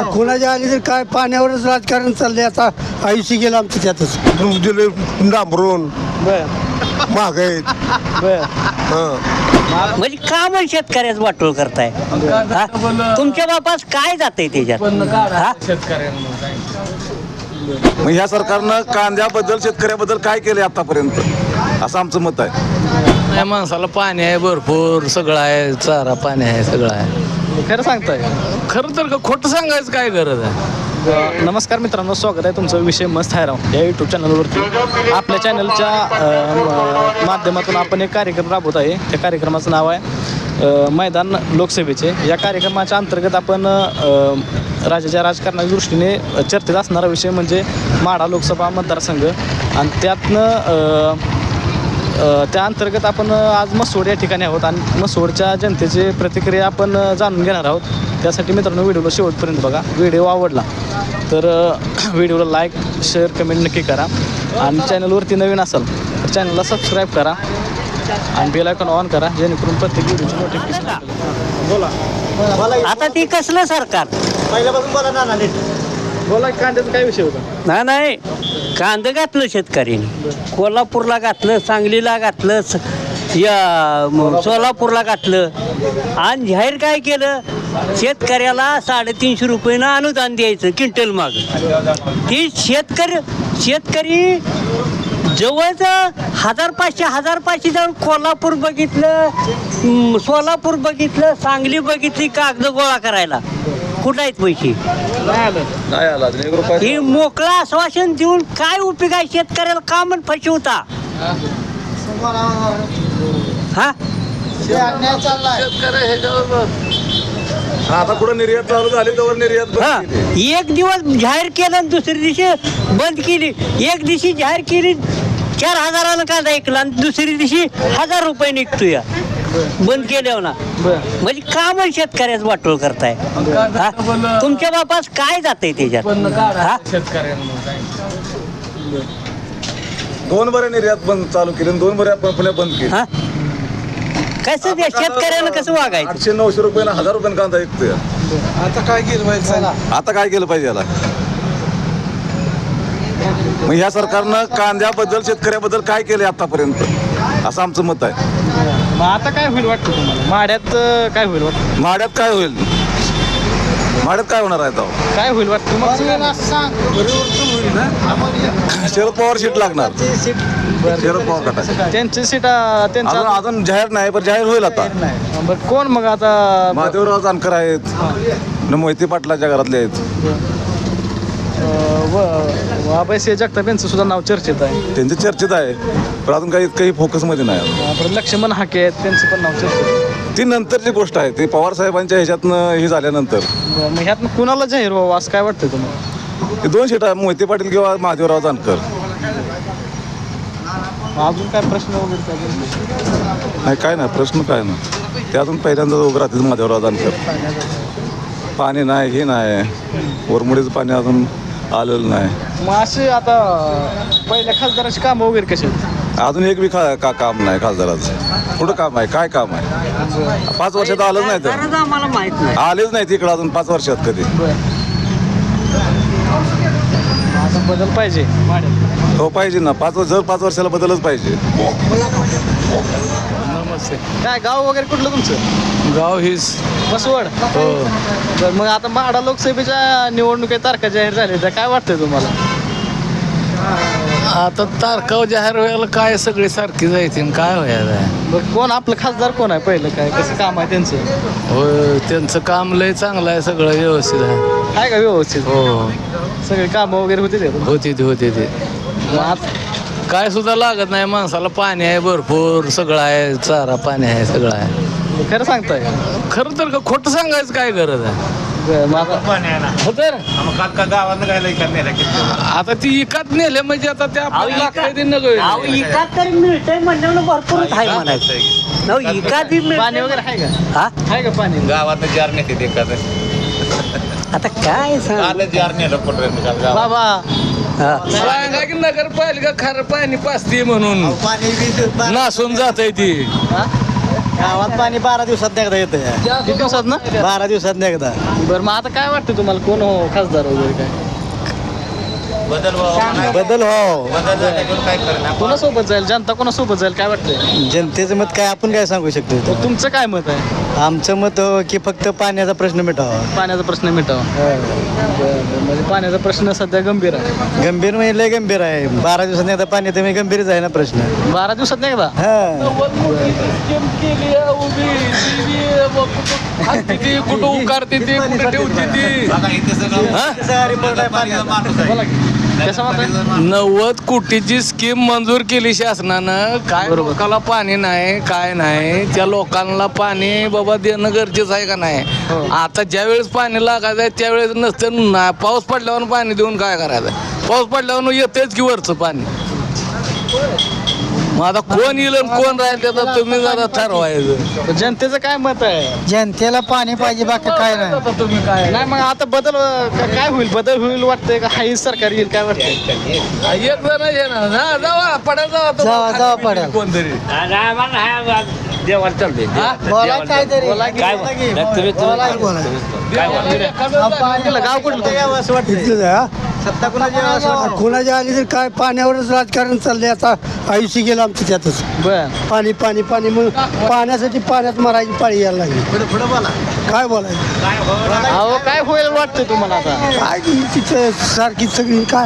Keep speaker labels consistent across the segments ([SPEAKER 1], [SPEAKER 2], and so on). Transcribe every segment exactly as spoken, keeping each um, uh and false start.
[SPEAKER 1] कुणाच्या आली तर काय पाण्यावरच राजकारण चाललंय आता आयुष्य गेलं आमचं त्यातच
[SPEAKER 2] दिले डांबरून महागाईत
[SPEAKER 3] म्हणजे का मग शेतकऱ्याचं वाटोळ करताय हा? तुमच्या बापास काय जातंय त्याच्यात हा?
[SPEAKER 4] मग ह्या सरकारनं कांद्याबद्दल शेतकऱ्याबद्दल काय केलंय आतापर्यंत असं आमचं मत आहे.
[SPEAKER 5] या माणसाला पाणी आहे भरपूर, सगळं आहे, चारा पाणी आहे, सगळं आहे.
[SPEAKER 6] खरं सांगताय
[SPEAKER 5] खरं तर खोटं सांगायचं काय गरज आहे.
[SPEAKER 6] नमस्कार मित्रांनो, स्वागत आहे तुमचं विषय मस्त आहे राव या यूट्यूब चॅनलवरती. आपल्या चॅनलच्या अ, माध्यमातून आपण एक कार्यक्रम राबवत आहे. त्या कार्यक्रमाचं नाव आहे अ, मैदान लोकसभेचे. या कार्यक्रमाच्या अंतर्गत आपण अ, राज्याच्या राजकारणाच्या दृष्टीने चर्चेत असणारा विषय म्हणजे माढा लोकसभा मतदारसंघ आणि त्यातनं अ, त्या अंतर्गत आपण आज मसवड या ठिकाणी आहोत आणि मसवडच्या जनतेची प्रतिक्रिया आपण जाणून घेणार आहोत. त्यासाठी मित्रांनो व्हिडिओला शेवटपर्यंत बघा. व्हिडिओ आवडला तर व्हिडिओला लाईक शेअर कमेंट नक्की करा आणि चॅनलवरती नवीन असाल तर चॅनलला सबस्क्राईब करा आणि बेल आयकॉन ऑन करा जेणेकरून प्रत्येक व्हिडिओची नोटिफिकेशन. बोला
[SPEAKER 3] आता ती कसलं सरकार
[SPEAKER 6] पहिल्यापासून बोला ना नीट बोला. कांद्याचा काय विषय होता?
[SPEAKER 3] नाही नाही कांदं घातलं शेतकऱ्याने, कोल्हापूरला घातलं, सांगलीला घातलं, स- या म- सोलापूरला घातलं आणि जाहीर काय केलं, शेतकऱ्याला साडेतीनशे रुपयानं अनुदान द्यायचं क्विंटल माग. ती शेतकरी शेतकरी जवळचं हजार पाचशे हजार पाचशे जाऊन कोल्हापूर बघितलं, म, सोलापूर बघितलं, सांगली बघितली कागद गोळा करायला. कुठं आहेत पैसे?
[SPEAKER 4] नाही आला एक रुपया.
[SPEAKER 3] ही मोकळं आश्वासन देऊन काय उपयोग आहे? शेतकऱ्याला का म्हण फसवता हा?
[SPEAKER 4] आता कुठं निर्यात चालू झाली तर निर्यात बंद
[SPEAKER 3] हा
[SPEAKER 4] केली.
[SPEAKER 3] एक दिवस जाहीर केलं आणि दुसऱ्या दिवशी बंद केली. एक दिवशी जाहीर केली चार हजारानं कांदा ऐकला आणि दुसऱ्या दिवशी हजार रुपये निघतो या बंद केल्यावर ना. म्हणजे का मग शेतकऱ्याचं वाटोळ करताय हा? तुमच्या बापास काय जातंय त्याच्यात हा?
[SPEAKER 4] दोन बरे निर्यात बंद चालू केली आणि दोन बरे आपण पुण्या बंद केली.
[SPEAKER 3] हा? कसं त्या शेतकऱ्यानं कसं वागायचं?
[SPEAKER 4] आठशे नऊशे रुपयानं हजार रुपयानं कांदा ऐकतोय.
[SPEAKER 2] आता काय केलं पाहिजे?
[SPEAKER 4] आता काय केलं पाहिजे याला? मग ह्या सरकारनं कांद्याबद्दल शेतकऱ्याबद्दल काय केलंय आतापर्यंत असं आमचं मत आहे.
[SPEAKER 6] मग आता काय होईल वाटतं तुम्हाला? माड्यात अ, काय होईल वाटतं?
[SPEAKER 4] माड्यात काय होईल? माड्यात काय होणार आहे आता?
[SPEAKER 6] काय होईल वाटतं मग?
[SPEAKER 4] शरद पवार सीट लागणार. शरद पवार गटाची.
[SPEAKER 6] त्यांची सीट
[SPEAKER 4] अजून
[SPEAKER 6] त्यांचा
[SPEAKER 4] अजून जाहीर नाही पण जाहीर होईल आता.
[SPEAKER 6] बरं कोण मग आता?
[SPEAKER 4] महादेवराव जानकर आहेत, न मोहिते पाटलाच्या घरातले आहेत.
[SPEAKER 6] अभयसिंह जगताप यांचं सुद्धा नाव चर्चेत आहे.
[SPEAKER 4] त्यांचे चर्चेत आहे पण अजून काही काही फोकसमध्ये नाही.
[SPEAKER 6] परत लक्ष्मण हाके आहेत, त्यांचं पण नाव चर्चेत आहे.
[SPEAKER 4] ती नंतरची गोष्ट आहे. ती पवार साहेबांच्या ह्याच्यातनं हे झाल्यानंतर
[SPEAKER 6] बरं, मग ह्यात कुणाला जाहीर व्हावं असं काय वाटतं तुम्हाला?
[SPEAKER 4] ते दोन सीट आहे, मोहिते पाटील किंवा महादेवराव जानकर.
[SPEAKER 6] अजून काय प्रश्न वगैरे काय?
[SPEAKER 4] नाही काय नाही प्रश्न काय ना, ते अजून पहिल्यांदा उभं राहतील महादेवराव जानकर. पाणी नाही हे नाही, वरमुडीचं पाणी अजून आलेलं नाही.
[SPEAKER 6] मग असे आता पहिल्या खासदाराची कामं वगैरे कशी आहेत?
[SPEAKER 4] अजून एक बी खा का काम नाही खासदाराचं. कुठं काम आहे? काय काम आहे? पाच वर्षात आलंच नाही तर
[SPEAKER 3] गरज आम्हाला माहित नाही.
[SPEAKER 4] आलेच नाही तिकडं अजून पाच वर्षात कधी.
[SPEAKER 6] आता बदल पाहिजे माड्यात.
[SPEAKER 4] हो पाहिजे ना, पाच वर्ष जर पाच वर्षाला बदलच पाहिजे.
[SPEAKER 5] नमस्ते.
[SPEAKER 6] काय गाव वगैरे कुठलं तुमचं?
[SPEAKER 5] गाव हीच.
[SPEAKER 6] मसवड.
[SPEAKER 5] हो.
[SPEAKER 6] बरं मग आता माढा लोकसभेच्या निवडणुकीत तारखा जाहीर झाल्या त्या काय वाटतंय तुम्हाला?
[SPEAKER 5] आता तारकाव जाहीर व्हायला काय सगळे सारखी जायचे काय व्हायला?
[SPEAKER 6] बरं कोण आपलं खासदार कोण आहे पहिलं? काय कसं काम आहे त्यांचं?
[SPEAKER 5] हो त्यांचं काम लय चांगलं आहे, सगळं व्यवस्थित आहे.
[SPEAKER 6] आहे का व्यवस्थित?
[SPEAKER 5] हो
[SPEAKER 6] सगळे कामं वगैरे होते ते?
[SPEAKER 5] होते ते होते ते
[SPEAKER 6] मग आता
[SPEAKER 5] काय सुद्धा लागत नाही माणसाला. पाणी आहे भरपूर, सगळं आहे, चारा पाणी आहे, सगळं आहे.
[SPEAKER 6] खरं सांगताय?
[SPEAKER 5] खरं तर खोटं सांगायचं काय गरज आहे?
[SPEAKER 6] बरं, मग आता
[SPEAKER 5] हो तर आता ती इकात नेले म्हणजे आता त्या आपल्याला लागतंय ते नगं.
[SPEAKER 3] अहो, इकात तरी मिळतंय म्हणल्यावर भरपूर आहे म्हणायचं. हो, इकात बी
[SPEAKER 6] पाणी
[SPEAKER 3] मिळतंय.
[SPEAKER 6] वगैरे आहे का?
[SPEAKER 3] हा?
[SPEAKER 6] आहे का पाणी?
[SPEAKER 7] गावात जार नेते ते
[SPEAKER 3] आता काय सांग
[SPEAKER 7] जार नेलं
[SPEAKER 6] बाबा
[SPEAKER 3] हा.
[SPEAKER 5] सांगा की नगरपालिका खारं पाणी पाचते म्हणून नासून जात आहे ती.
[SPEAKER 6] हा?
[SPEAKER 8] गावात पाणी बारा दिवसात एकदा येतं
[SPEAKER 6] किती दिवसात ना
[SPEAKER 8] बारा दिवसात एकदा
[SPEAKER 6] बरं मग आता काय वाटतं तुम्हाला कोण हो खासदार वगैरे काय
[SPEAKER 7] बदल व्हावा
[SPEAKER 8] बदल हो
[SPEAKER 7] बदल झाल्यावर काय करणार
[SPEAKER 6] कोणासोबत जाईल जनता कोणासोबत जाईल काय वाटतंय
[SPEAKER 8] जनतेचं मत काय आपण काय सांगू शकतो इथं?
[SPEAKER 6] मग तुमचं काय मत आहे
[SPEAKER 8] आमचं मत हो की फक्त पाण्याचा प्रश्न मिटावा
[SPEAKER 6] पाण्याचा प्रश्न मिटावा बरं, म्हणजे पाण्याचा प्रश्न सध्या गंभीर आहे
[SPEAKER 8] गंभीर म्हणजे लय गंभीर आहे बारा दिवसात एकदा पाणी येतं म्हणजे गंभीरच आहे ना प्रश्न
[SPEAKER 6] बारा दिवसात नाही का
[SPEAKER 8] हा
[SPEAKER 5] कुठं उकारते ती कुठं ठेवते ती
[SPEAKER 7] बघा इथे सगळं पाण्याचा माणूस आहे
[SPEAKER 6] कसं म्हणताय
[SPEAKER 5] नव्वद कोटीची स्कीम मंजूर केली शासनानं काय लोकांना पाणी नाही काय नाही त्या लोकांना पाणी बाबा देणं गरजेचं आहे का नाही आता ज्या वेळेस पाणी लागायचं आहे त्यावेळेस नसतं ना पाऊस पडल्यावर पाणी देऊन काय करायचं पाऊस पडल्यावर येतेच की वरचं पाणी मग आता कोण येईल आणि कोण राहील त्याचं तुम्ही जरा ठरवायचं
[SPEAKER 6] जनतेचं काय मत आहे
[SPEAKER 8] जनतेला पाणी पाहिजे बाकी काय नाही
[SPEAKER 6] तुम्ही काय नाही मग आता बदल अं, का- काय होईल बदल होईल वाटतंय का हाही सरकार येईल काय वाटतंय
[SPEAKER 5] एक जण आहे ना ना, जावा पडेल जावा तो
[SPEAKER 8] जावा, जावा,
[SPEAKER 5] खाली
[SPEAKER 8] पडेल.
[SPEAKER 5] कोणतरी
[SPEAKER 3] देवाला चालते
[SPEAKER 8] बोला काहीतरी
[SPEAKER 3] काय तुम्ही
[SPEAKER 6] गाव कुठलं
[SPEAKER 1] इथलंच आहे, हा.
[SPEAKER 8] सत्ता कुणाची यावं असं वाटतं?
[SPEAKER 1] कोणाच्या आली तर काय पाण्यावरच राजकारण चाललंय आता आयुष्य गेलं आमचं त्यातच
[SPEAKER 6] बर
[SPEAKER 1] पाणी पाणी पाणी मग पाण्यासाठी पाण्यात मरायची पाळी यायला लागली काय बोलायचं
[SPEAKER 6] अहो काय होईल वाटतंय तुम्हाला आता
[SPEAKER 1] काय तिचं सारखी सगळी काय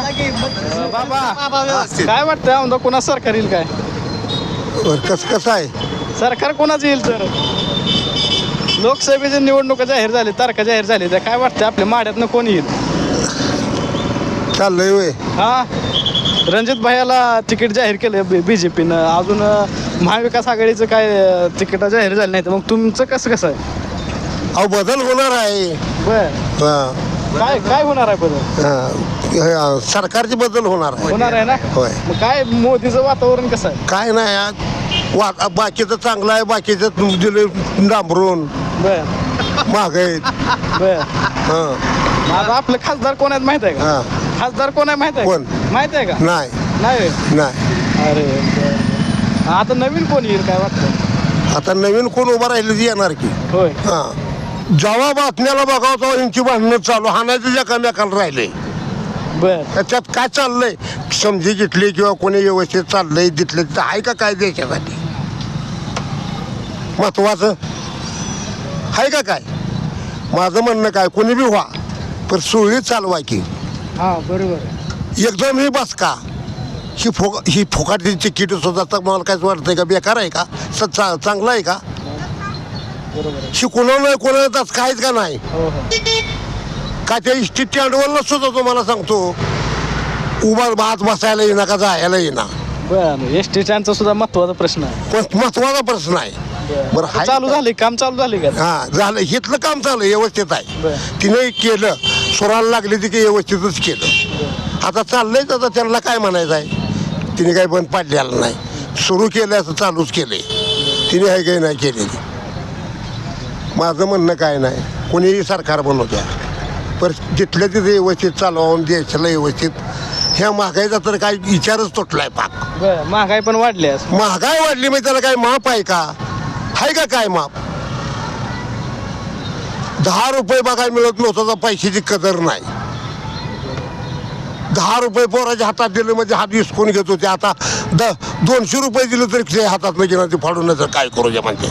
[SPEAKER 6] बाबा काय वाटतंय आमदार कोणा सरकार येईल काय
[SPEAKER 2] बरं कसं कसं आहे
[SPEAKER 6] सरकार कोणाचं येईल तर लोकसभेच्या निवडणुका जाहीर झाली तारखा जाहीर झाली तर काय वाटतं आपल्या माड्यातनं कोण येईल
[SPEAKER 2] चाललंय वय
[SPEAKER 6] हा रणजित भाईला तिकीट जाहीर केलं बी जे पीनं अजून अं, महाविकास आघाडीचं काय अं, तिकीट जाहीर झालं नाही तर मग तुमचं कसं कसं आहे
[SPEAKER 2] अहो बदल होणार आहे
[SPEAKER 6] बर
[SPEAKER 2] हां
[SPEAKER 6] काय काय होणार आहे बदल
[SPEAKER 2] हां सरकारचे बदल होणार आहे
[SPEAKER 6] होणार आहे ना
[SPEAKER 2] होय
[SPEAKER 6] मग काय मोदीचं वातावरण कसं आहे
[SPEAKER 2] काय नाही आज वा बाकीचं चांगलं आहे बाकीचं दिलं डांबरून
[SPEAKER 6] बर
[SPEAKER 2] महागाईत
[SPEAKER 6] बर
[SPEAKER 2] हां
[SPEAKER 6] आता आपलं खासदार कोण आहेत माहित आहे का
[SPEAKER 2] हां
[SPEAKER 6] खासदार कोण आहे माहित आहे
[SPEAKER 2] कोण?
[SPEAKER 6] का? माहित आहे का
[SPEAKER 2] नाही
[SPEAKER 6] नाही होय?
[SPEAKER 2] नाही
[SPEAKER 6] अरे बरं. आता नवीन कोण येईल काय वाटतं
[SPEAKER 2] आता नवीन कोण उभं राहिलं ती येणार की
[SPEAKER 6] होय
[SPEAKER 2] हां जेव्हा बातम्याला बघावं तेव्हा यांची भांडणं चालू हाणायचं एकामेकाला राहिले
[SPEAKER 6] बर
[SPEAKER 2] त्याच्यात काय चाललंय समजी घेतली किंवा कोणी व्यवस्थित चाललंय तिथलं तिथं आहे का काय देशासाठी महत्वाचं आहे का काय माझं म्हणणं काय कोणी बी व्हा पण सुरळीत चालवा की
[SPEAKER 6] हा बरोबर आहे
[SPEAKER 2] एकदम ही बस का ही फुक ही फुकाटची तिकीट सुद्धा तर मला काय वाटतंय का बेकार आहे का स चा चांगलं आहे का ही कोणाला कोणाला तास काहीच का नाही
[SPEAKER 6] हो हो
[SPEAKER 2] का त्या इष्टी स्टँडवरला सुद्धा तुम्हाला सांगतो उभा भात बसायला येईना का जायला येईना
[SPEAKER 6] बरं एस टी स्टँडचा सुद्धा महत्वाचा प्रश्न आहे
[SPEAKER 2] पण महत्वाचा प्रश्न आहे बरं हाय
[SPEAKER 6] चालू
[SPEAKER 2] का?
[SPEAKER 6] झाले काम चालू झाले का
[SPEAKER 2] हा झालं हिथलं काम चालू व्यवस्थित आहे
[SPEAKER 6] बरं.
[SPEAKER 2] तिने केलं स्वराला लागली ती की व्यवस्थितच केलं आता चाललंय आता त्यांना काय म्हणायचं आहे तिने काही बंद पाडलेलं नाही सुरू केलं असं चालूच केलंय तिने काही काही नाही केलेली माझं म्हणणं काय नाही कोणीही सरकार बनवत्या पण जिथल्या तिथे व्यवस्थित चालवून देशाला व्यवस्थित ह्या महागाईचा तर काही विचारच तुटलाय पाक
[SPEAKER 6] बरं महागाई पण वाढली आज
[SPEAKER 2] महागाई वाढली म्हणजे त्याला काय माप आहे का आहे का काय माप दहा रुपये बघायला मिळत नव्हतं तर पैशाची कदर नाही दहा रुपये पोराच्या हातात दिले म्हणजे हात विसकून घेत होते आता द दोनशे रुपये दिले तरी ते हातात नाही घेणार ते फाडून नाही तर काय करू द्या म्हणते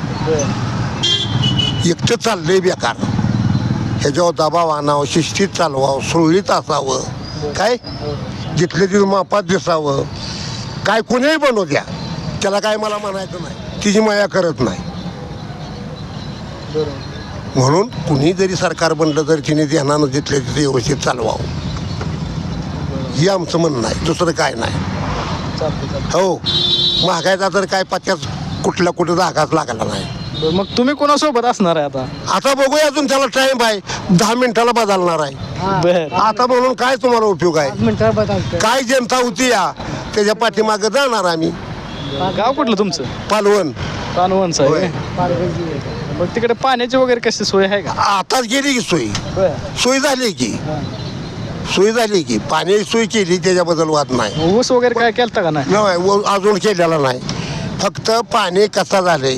[SPEAKER 2] एकटं चाललंय बेकार ह्याच्यावर दबाव आणावं शिस्तीत चालवावं सुरळीत असावं काय जिथले तिथं मापात दिसावं काय कोणीही बनवू द्या त्याला काय मला म्हणायचं नाही तिची माया करत नाही म्हणून कुणी जरी सरकार बनलं तरी तिने ध्यानानं जिथले तिथे व्यवस्थित चालवावं हे आमचं म्हणणं आहे दुसरं काय नाही हो महागाईचा तर काय पत्त्याच कुठल्या कुठं धागाच लागला नाही
[SPEAKER 6] बरं, मग तुम्ही कोणासोबत असणार आहे आता
[SPEAKER 2] आता बघूया अजून त्याला टाइम आहे दहा मिनिटाला बदलणार आहे
[SPEAKER 6] बर
[SPEAKER 2] आता म्हणून काय तुम्हाला उपयोग आहे काय जनता होती या त्याच्या पाठीमागे जाणार आम्ही
[SPEAKER 6] गाव कुठलं तुमचं
[SPEAKER 2] पालवण
[SPEAKER 6] पानवनचं आहे मग तिकडे पाण्याची वगैरे कशी सोय आहे का
[SPEAKER 2] आताच गेली की सोयी
[SPEAKER 6] बर
[SPEAKER 2] सोय झाली की सोय झाली की पाणी सोय केली त्याच्याबद्दल वाद नाही
[SPEAKER 6] ऊस वगैरे काय केलं का नाही
[SPEAKER 2] नाही व- अजून केलेला नाही फक्त पाणी कसं झालंय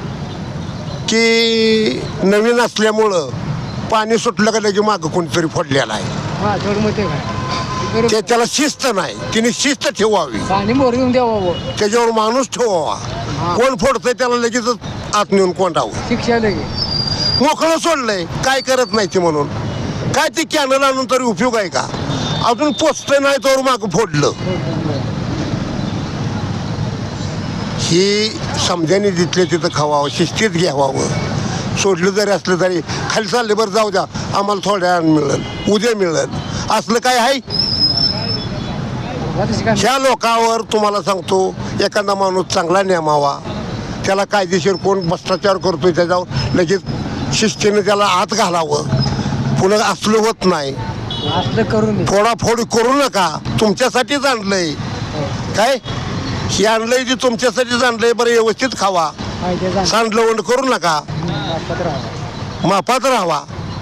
[SPEAKER 2] की नवीन असल्यामुळं पाणी सुटलं का लगे मागं कोणीतरी फोडलेलं आहे. ते त्याला शिस्त नाही, तिने शिस्त ठेवावी,
[SPEAKER 1] पाणी मोर येऊन द्यावं,
[SPEAKER 2] त्याच्यावर माणूस ठेवावा. कोण फोडतंय त्याला लगेच आत नेऊन कोंडावं.
[SPEAKER 1] शिक्षा लगे
[SPEAKER 2] मोकळं सोडलंय, काय करत नाही ते म्हणून. काय ते कॅनल आणून तरी उपयोग आहे का? अजून पोचतंय नाही तर मागं फोडलं. ही समजाने जिथले तिथं खावावं, शिस्तीत घ्यावावं. सोडलं जरी असलं तरी खाली चालले बरं जाऊ द्या, आम्हाला थोड्या वेळानं मिळेल, उद्या मिळेल, असलं काय आहे? ह्या लोकांवर तुम्हाला सांगतो, एखादा माणूस चांगला नेमावा, त्याला कायदेशीर कोण भ्रष्टाचार करतोय त्याच्यावर लगेच शिस्तीने त्याला आत घालावं. पुन्हा असलं होत नाही,
[SPEAKER 1] असलं करून
[SPEAKER 2] फोडाफोडी करू नका. तुमच्यासाठीच आणलंय काय, हे आणलंय ते तुमच्यासाठीच आणलंय. बरं व्यवस्थित खावा, सांडलवंड करू नका, मापात राहावा.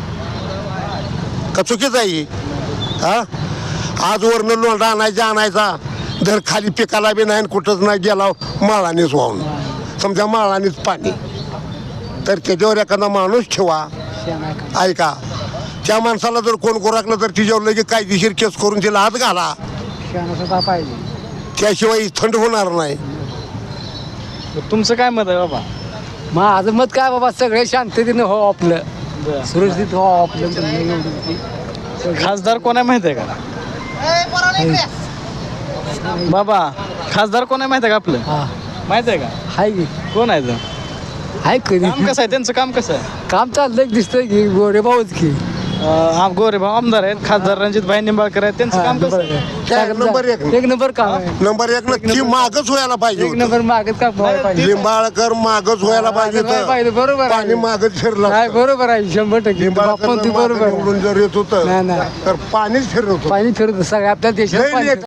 [SPEAKER 2] का चुकीच आहे हा? आज वरनं लोंढा आणायचा आणायचा धर खाली पिकाला बी नाही, कुठंच नाही गेला माळानेच वाहून, समजा माळानेच पाणी. तर त्याच्यावर एखादा माणूस ठेवा. ऐका, त्या माणसाला जर कोण गोराकलं तर तिच्यावर लगे कायदेशीर केस करून तिला हात घाला, त्याशिवाय थंड होणार नाही.
[SPEAKER 6] तुमचं काय मत आहे बाबा?
[SPEAKER 1] माझं मत काय बाबा, सगळे शांततेने हो, आपलं सुरक्षित हो आपलं.
[SPEAKER 6] खासदार कोण आहे माहिती आहे का बाबा? खासदार कोण आहे माहिती आहे का आपलं? माहिती आहे का?
[SPEAKER 1] हाय की
[SPEAKER 6] कोण आहे ते?
[SPEAKER 1] हाय कधी
[SPEAKER 6] काम कसं आहे त्यांचं? काम कसं आहे?
[SPEAKER 1] काम चाललंय दिसतंय की गोरे भाऊच की
[SPEAKER 6] अं, गोरे भाऊ आमदार आहेत, खासदार रणजित भाई निंबाळकर आहेत, त्यांचं काम कसं आहे?
[SPEAKER 2] काय नंबर एक
[SPEAKER 1] एक नंबर काम आहे,
[SPEAKER 2] नंबर एक ती मागच व्हायला पाहिजे
[SPEAKER 1] एक
[SPEAKER 2] होतं.
[SPEAKER 1] नंबर मागच काम व्हायला पाहिजे.
[SPEAKER 2] लिंबाळकर मागच व्हायला पाहिजे
[SPEAKER 1] व्हायला
[SPEAKER 2] होतं.
[SPEAKER 1] पाहिजे, बरोबर आहे.
[SPEAKER 2] पाणी मागच फिरलं
[SPEAKER 1] काय
[SPEAKER 2] असतं.
[SPEAKER 1] बरोबर आहे, शंभर टक्के
[SPEAKER 2] लिंबाळकर
[SPEAKER 1] आपण ती
[SPEAKER 2] जर मागं
[SPEAKER 1] बरोबर आहे.
[SPEAKER 2] निवडून जर येत
[SPEAKER 1] नाही,
[SPEAKER 2] होतं
[SPEAKER 1] नाही.
[SPEAKER 2] तर पाणीच फिरत होतं.
[SPEAKER 1] पाणी फिरत सगळ्या आपल्या देशात
[SPEAKER 2] लई
[SPEAKER 1] पाणी
[SPEAKER 2] लेट